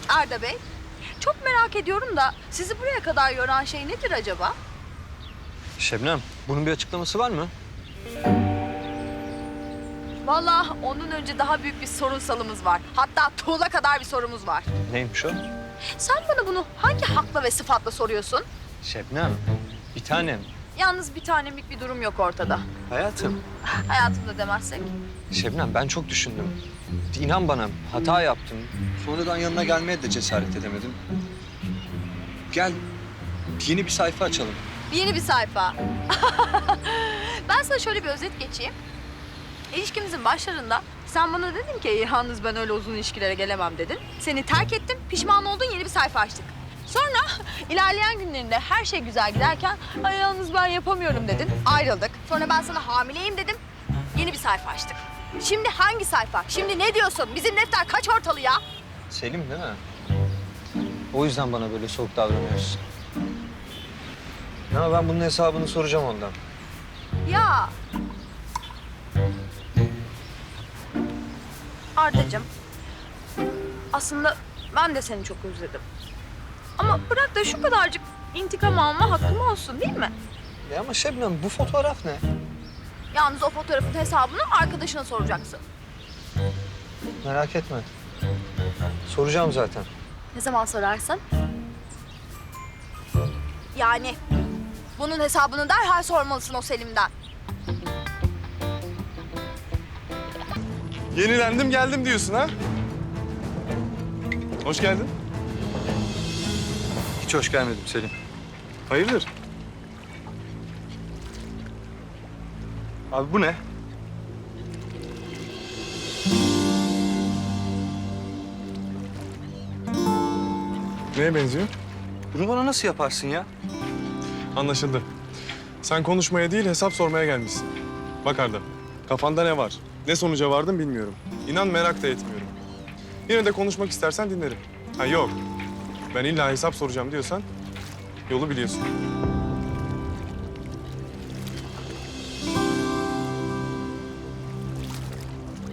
Arda Bey, çok merak ediyorum da sizi buraya kadar yoran şey nedir acaba? Şebnem, bunun bir açıklaması var mı? Vallahi ondan önce daha büyük bir sorunsalımız var. Hatta tuğla kadar bir sorumuz var. Neymiş o? Sen bana bunu hangi hakla ve sıfatla soruyorsun? Şebnem, bir tanem. Yalnız bir tanemlik bir durum yok ortada. Hayatım. Hayatımda demezsek. Şebnem, ben çok düşündüm. İnan bana, hata yaptım. Sonradan yanına gelmeye de cesaret edemedim. Gel, yeni bir sayfa açalım. Yeni bir sayfa. Ben sana şöyle bir özet geçeyim. İlişkimizin başlarında sen bana dedin ki yalnız ben öyle uzun ilişkilere gelemem dedin. Seni terk ettim, pişman oldun, yeni bir sayfa açtık. Sonra ilerleyen günlerinde her şey güzel giderken ay yalnız ben yapamıyorum dedin, ayrıldık. Sonra ben sana hamileyim dedim, yeni bir sayfa açtık. Şimdi hangi sayfa? Şimdi ne diyorsun? Bizim defter kaç ortalı ya? Selim değil mi? O yüzden bana böyle soğuk davranıyorsun. Ya ben bunun hesabını soracağım ondan. Ya. Ardacığım, aslında ben de seni çok özledim. Ama bırak da şu kadarcık intikam alma hakkım olsun değil mi? Ya ama Şebnem, bu fotoğraf ne? Yalnız o fotoğrafın hesabını arkadaşına soracaksın. Merak etme. Soracağım zaten. Ne zaman sorarsın? Yani bunun hesabını derhal sormalısın o Selim'den. Yenilendim geldim diyorsun ha? Hoş geldin. Hiç hoş gelmedim Selim. Hayırdır? Abi bu ne? Neye benziyor? Bunu bana nasıl yaparsın ya? Anlaşıldı. Sen konuşmaya değil hesap sormaya gelmişsin. Bak Arda, kafanda ne var? Ne sonuca vardın bilmiyorum. İnan merak da etmiyorum. Yine de konuşmak istersen dinlerim. Ha yok, ben illa hesap soracağım diyorsan yolu biliyorsun.